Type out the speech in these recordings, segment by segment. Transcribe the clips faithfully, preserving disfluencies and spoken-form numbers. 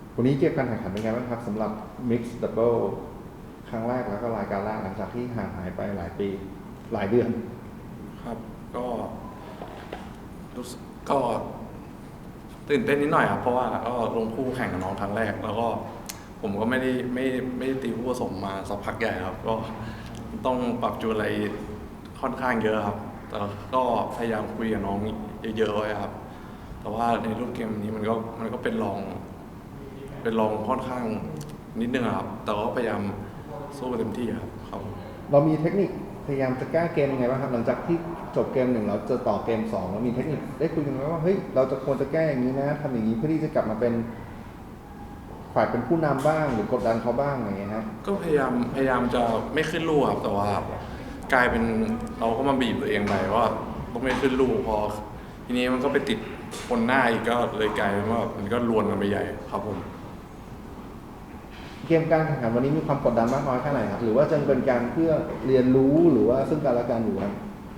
วันนี้เกี่ยวกับการแข่งขันเป็นไงบ้างครับสำหรับ Mixed Double ครั้งแรกแล้วก็รายการแรกหลังจากที่ห่างหายไปหลายปีหลายเดือนครับก็รู้สึกก็ตื่นเต้นนิดหน่อยครับเพราะว่าก็ลงคู่แข่งกับน้องครั้งแรกแล้วก็ผมก็ไม่ได้ไม่ไม่ได้ตีคู่ผสมมาสักพักใหญ่ครับก็ต้องปรับจูนอะไรค่อนข้างเยอะครับแต่ก็พยายามคุยกับน้องเยอะๆไว้ครับแต่ว่าในรูปเกมนี้มันก็มันก็เป็นรองเป็นรองค่อนข้างนิดนึงครับแต่ก็พยายามสู้เต็มที่ครับครับเรามีเทคนิคพยายามจะแก้เกมยังไงบ้างครับหลังจากที่จบเกมหนึ่งเราจะต่อเกมสองเรามีเทคนิคได้คุยกันไหมว่าเฮ้ยเราจะควรจะแก้อย่างนี้นะทำอย่างนี้เพื่อที่จะกลับมาเป็นฝ่ายเป็นผู้นำบ้างหรือกดดันเขาบ้างอะไรเงี้ยครับก็พยายามพยายามจะไม่ขึ้นลูกครับแต่ว่ากลายเป็นเราก็มาบีบตัวเองไปว่าต้องไม่ขึ้นลูกพอทีนี้มันก็ไปติดคนหน้าอีกก็เลยกลายเป็นว่ามันก็รวนกันไปใหญ่ครับผมเกมการแข่งขันวันนี้มีความกดดันมากน้อยแค่ไหนครับหรือว่าจะเป็นการเพื่อเรียนรู้หรือว่าซึ่งกันและกันอยู่ครับ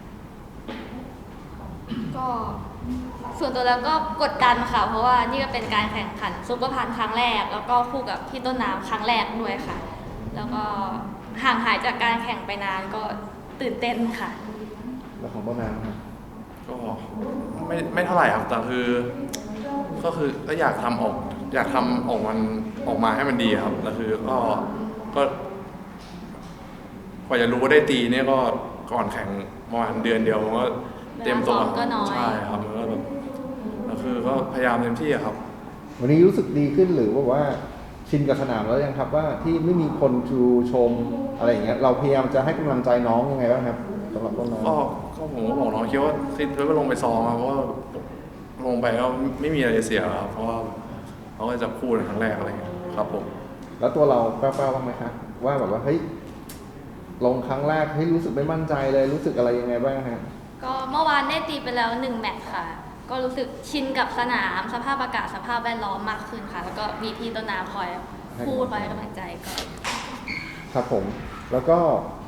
ก็ส่วนตัวแล้วก็กดดันค่ะเพราะว่านี่ก็เป็นการแข่งขันซุปเปอร์พันครั้งแรกแล้วก็คู่กับพี่ต้นน้ำครั้งแรกด้วยค่ะแล้วก็ห่างหายจากการแข่งไปนานก็ตื่นเต้นค่ะแล้วของต้นน้ำครับก็ไม่ไม่เท่าไหร่ครับแต่คือก็คือก็อยากทำออกอยากทำออกมันออกมาให้มันดีครับแล้วคือก็ก็กว่าจะรู้ว่าได้ตีเนี่ยก็ก่อนแข่งประมาณเดือนเดียวมันก็เตรียมตัวใช่ครับแล้วก็แบบแล้วคือก็พยายามเต็มที่ครับวันนี้รู้สึกดีขึ้นหรือว่าว่าชินกับสนามแล้วยังครับว่าที่ไม่มีคนชูชมอะไรอย่างเงี้ยเราพยายามจะให้กำลังใจน้องยังไงบ้างครับสำหรับต้นน้ำก็ก็ผมก็บอกน้องคิดว่าคิดว่าลงไปซ้อมครับเพราะว่าลงไปก็ไม่มีอะไรเสียครับเพราะว่าเขาก็จะพูดในครั้งแรกอะไรเงี้ยครับผมแล้วตัวเราแป้วๆบ้างไหมครับว่าแบบว่าเฮ้ยลงครั้งแรกให้รู้สึกไม่มั่นใจเลยรู้สึกอะไรยังไงบ้างฮะก็เมื่อวานได้ตีไปแล้วหนึ่งแมตช์ค่ะก็รู้สึกชินกับสนามสภาพอากาศสภาพแวดล้อมมากขึ้นค่ะแล้วก็มีพี่ต้นน้ำคอยพูดคอยให้กำลังใจก็ครับผมแล้วก็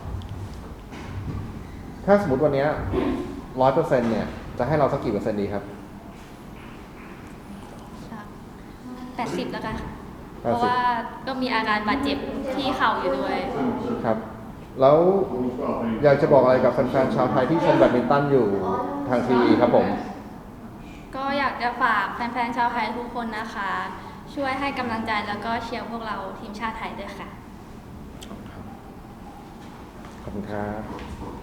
ถ้าสมมติวันนี้ร้อยเปอร์เซ็นต์เนี่ยจะให้เราสักกี่เปอร์เซ็นต์ดีครับแปดสิบแล้วกันค่ะเพราะว่าก็มีอาการบาดเจ็บที่เข่าอยู่ด้วยครับแล้วอยากจะบอกอะไรกับแฟนๆชาวไทยที่ชมแบดมินตันอยู่ทางทีวีครับผมก็อยากจะฝากแฟนๆชาวไทยทุกคนนะคะช่วยให้กำลังใจแล้วก็เชียร์พวกเราทีมชาติไทยด้วยค่ะขอบคุณครับ